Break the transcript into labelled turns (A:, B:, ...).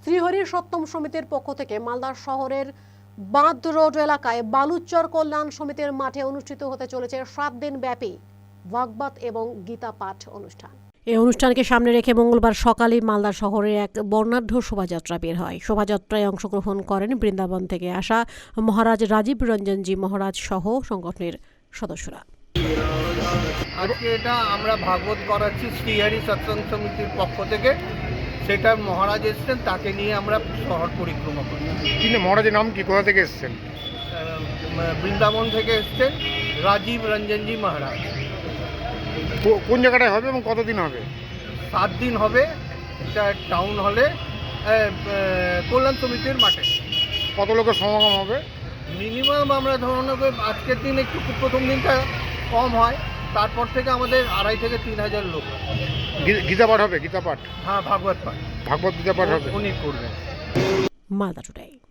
A: শ্রীহরি সপ্তম সমিতির পক্ষ থেকে মালদা শহরের বাঁধ রোড এলাকায় বালুচর কল্যাণ সমিতির মাঠে অনুষ্ঠিত হতে চলেছে 7 দিন ব্যাপী ভাগবত এবং গীতা পাঠ অনুষ্ঠান। এই অনুষ্ঠানকে সামনে রেখে মঙ্গলবার সকালে মালদা শহরের এক বর্ণাঢ্য শোভাযাত্রা বের হয়। শোভাযাত্রায় অংশগ্রহণ করেন বৃন্দাবন থেকে আসা মহারাজ রাজীব রঞ্জনজি মহারাজ সহ সংগঠনের সদস্যরা।
B: আজকে এটা আমরা ভাগবত করাচ্ছি শ্রীহরি সৎসঙ্গ সমিতির পক্ষ থেকে। সেটা মহারাজ এসছেন, তাকে নিয়ে আমরা শহর পরিক্রমা করি।
C: কিন্তু মহারাজের নাম কি, কোথা থেকে এসেছেন?
B: বৃন্দাবন থেকে এসছেন রাজীব রঞ্জনজি মহারাজ।
C: কোন জায়গাটায় হবে এবং কতদিন হবে?
B: 7 দিন হবে। এটা টাউন হলে কল্যাণ সমিতির মাঠে।
C: কত লোকের সমাগম হবে?
B: মিনিমাম আমরা ধরুন আজকের দিন একটু প্রথম দিনটা কম হয়, তারপর থেকে আমাদের 2,500 থেকে 3,000 লোক।
C: গীতা পাঠ হবে? গীতা পাঠ?
B: হ্যাঁ, ভাগবত পাঠ,
C: ভাগবত গীতা পাঠ হবে,
B: উনি করবেন।
A: মালদা টুডে।